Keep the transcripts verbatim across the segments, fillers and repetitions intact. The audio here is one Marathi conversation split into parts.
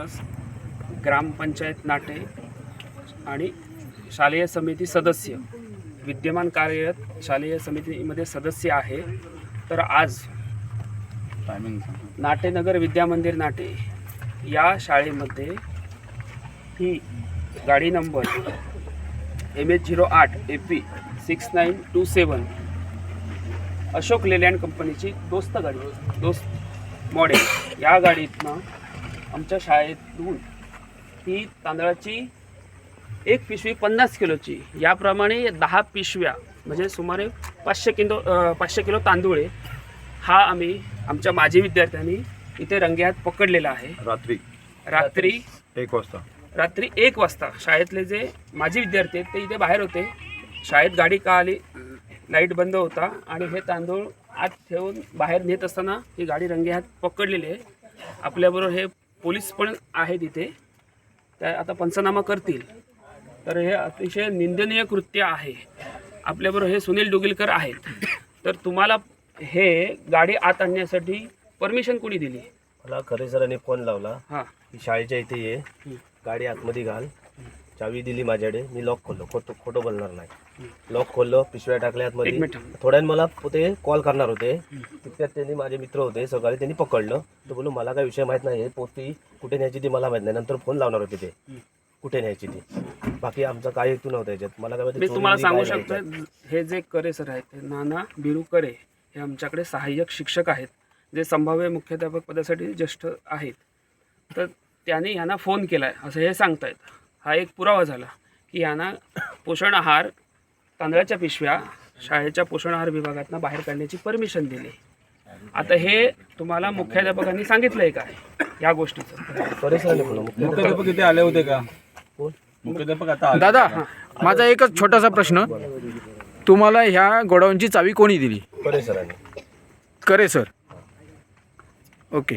प्लस ग्रामपंचायत नाटे आणि शालेय समिती सदस्य विद्यमान कार्यरत शालेय समितीमध्ये सदस्य आहे। तर आज नाटेनगर विद्यामंदिर नाटे या शाळेमध्ये ही गाडी नंबर एम एच झिरो आठ A P six nine two seven Ashok Leyland कंपनीची दोस्त गाडी दोस्त मॉडेल या गाडीतनं आमच्या शाळेतून ही तांदळाची एक पिशवी पन्नास किलोची याप्रमाणे दहा पिशव्या म्हणजे सुमारे पाचशे किलो पाचशे किलो तांदूळ हा आम्ही आमच्या माजी विद्यार्थ्यांनी इथे रंगेहात पकडलेला आहे। रात्री रात्री एक वाजता रात्री एक वाजता शाळेतले जे माजी विद्यार्थी आहेत ते इथे बाहेर होते। शाळेत गाडी का आली, लाईट बंद होता आणि हे तांदूळ आत ठेवून बाहेर नेत असताना ही गाडी रंगेहात पकडलेली आहे। आपल्याबरोबर हे पोलीस पण आहेत इथे, त्या आता पंचनामा करतील। तर हे अतिशय निंदनीय कृत्य आहे। आपल्याबरोबर हे सुनील डुगिलकर आहेत। तर तुम्हाला हे गाडी आत आणण्यासाठी परमिशन कोणी दिली? मला खरे सरांनी फोन लावला हां की शाळेच्या इथे ये, गाडी आतमध्ये घाल, चावी दिली माझ्याकडे, मी लॉक खोललो, खोटं खोटं बोलणार नाही, लॉक खोललो, पिशव्या टाकल्या आतमध्ये। थोड्याने मला ते कॉल करणार होते, तितक्यात त्यांनी माझे मित्र होते सकाळी, त्यांनी पकडलं। तर बोलू मला काय विषय माहीत नाही, पोती कुठे न्यायची ती मला माहीत नाही, नंतर फोन लावणार होते ते कुठे न्यायची ती, बाकी आमचा काय हेतू नव्हता याच्यात। मला काय मी तुम्हाला सांगू शकतो, हे जे करे सर आहेत ते नाना बिरू करे हे आमच्याकडे सहाय्यक शिक्षक आहेत जे संभाव्य मुख्याध्यापक पदासाठी ज्येष्ठ आहेत। तर त्याने यांना फोन केला आहे असं हे सांगतायत। हा एक पुरावा झाला की यांना पोषण आहार तांदळाच्या पिशव्या शाळेच्या पोषण आहार विभागातनं बाहेर काढण्याची परमिशन दिली। आता हे तुम्हाला मुख्याध्यापकांनी सांगितलं आहे काय या गोष्टीचं? मुख्याध्यापक इथे आले होते का? मुख्याध्यापक आता दादा, माझा एकच छोटासा प्रश्न, तुम्हाला ह्या गोडाऊनची चावी कोणी दिली? करे सरांनी। करे सर, ओके।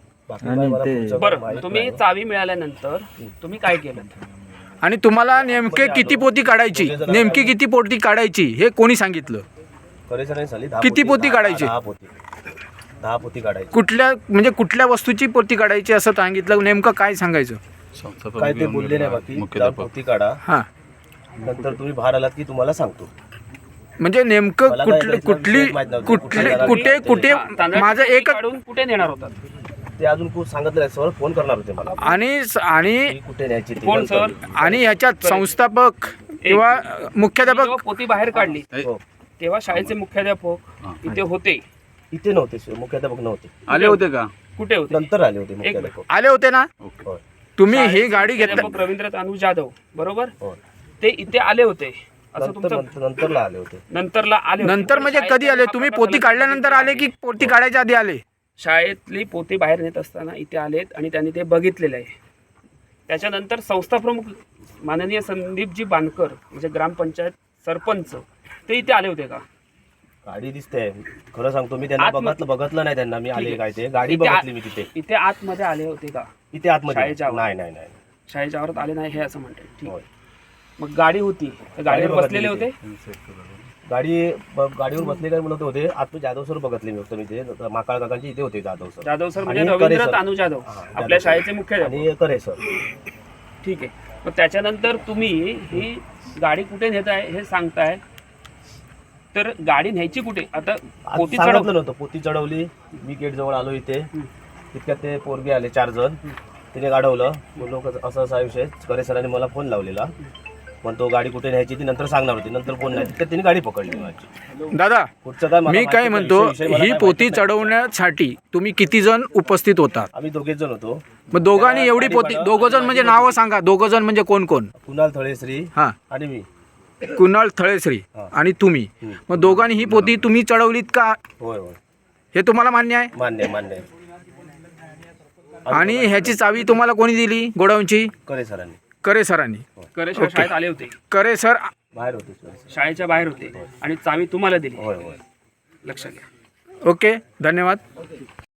बरं, तुम्ही चावी मिळाल्यानंतर तुम्ही काय केलं आणि तुम्हाला नेमके किती पोती काढायची, नेमकी किती पोती काढायची हे कोणी सांगितलं? करे सरांनी किती पोती काढायची? दहा पोती दहा पोती काढायची। कुठल्या म्हणजे कुठल्या वस्तूची पोती काढायची असं सांगितलं? नेमकं काय सांगायचं? काय ते बोलले नाही, बाकी पोती काढा, हां, नंतर तुम्ही बाहेर आलात की तुम्हाला सांगतो। म्हणजे नेमकं कुठली कुठली कुठली कुठे कुठे माझं एक काढून कुठे नेणार होता ते अजून खूप सांगितलं नाही, सर फोन करणार होते मला आणि आणि कुठे न्यायची ती कोण सर? आणि ह्याच्यात संस्थापक किंवा मुख्याध्यापक जेव्हा पोती बाहेर काढली हो, तेव्हा शाळेचे मुख्याध्यापक इथे होते? इथे नव्हते सर, मुख्याध्यापक नव्हते। आले होते का? कुठे होते? नंतर आले होते मुख्याध्यापक। आले होते ना? होय, तुम्ही ही गाडी घेतली? मुख्याध्यापक रवींद्र तानू जाधव बरोबर, होय। ते इथे आले होते असं नंतर तुमचं? नंतरला आले होते। नंतरला आले होते. नंतर म्हणजे कधी आले तुम्ही? पोती काढल्यानंतर आले की पोती काढायच्या आधी आले? शाळेतली पोती बाहेर नेत असताना इथे आलेत आणि त्यांनी ते बघितलेलं आहे। त्याच्यानंतर संस्था प्रमुख माननीय संदीपजी बानकर म्हणजे ग्रामपंचायत सरपंच ते इथे आले होते का? गाडी दिसते, खरं सांगतो मी त्यांना आतमध्ये- बघितलं बघितलं नाही त्यांना, मी आले काय ते गाडी इथे आ- बघितली मी तिथे इथे आतमध्ये आले होते का? इथे आतमध्ये शाळेच्या आवारात? नाही नाही नाही शाळेच्या आवारात आले नाही हे असं म्हणतात, ठीक होय। आहे। मग गाडी होती, तर गाडीवर गाडी बसलेले होते? गाडी ब- गाडीवर बसले काय म्हणत होते, आत जाधव सर बघितले मी, मी ते माकाळ काकांची इथे होते जाधव सर। जाधव सर म्हणजे आणि करे रवींद्र सर. तानू जाधव हा, आपल्या जाधव शाळेचे सर. मुख्याध्यापक, आणि करे सर। ठीक आहे। मग त्याच्यानंतर तुम्ही ही गाडी कुठे नेत आहे हे सांगताय, तर गाडी न्यायची कुठे? आता पोती सांगितलं चढव नव्हतं, पोती चढवली, मी गेट जवळ आलो इथे, तितक्यात ते पोरगे आले चार जण, तिने गाडवलं, बोललो कसं- असं असा विषय। करे सरांनी मला फोन लावलेला, पण तो गाडी कुठे न्यायची ती नंतर सांगणार होती, नंतर फोन नाही, तितक्यात तिने गाडी पकडली माझी। दादा, पुढचं काय मला मी माहिती काय नाही, म्हणतो, विषय- विषय मला ही काय पोती माहिती नाही. चढवण्यासाठी तुम्ही किती जण उपस्थित होता? आम्ही दोघेच जण होतो। मग दोघांनी त्याला एवढी गाडी पोती, बनव- दोघं जण म्हणजे नावं सांगा, दोघं जण म्हणजे कोण कोण? कुणाल थळेश्री हां, आणि मी। कुणाल थळेश्री हा. आणि तुम्ही। हम्म. मग दोघांनी ही पोती तुम्ही चढवलीत का होय होय, हे तुम्हाला मान्य आहे? मान्य आहे, मान्य आहे। आणि ह्याची चावी तुम्हाला कोणी दिली गोडाऊनची? करे सरांनी। करे सरांनी। करे सर शाळेत आले होते, करे सर बाहेर होते सर। शाळेच्या बाहेर होते आणि चावी तुम्हाला दिली, होय होय। लक्षात घ्या। ओके, धन्यवाद।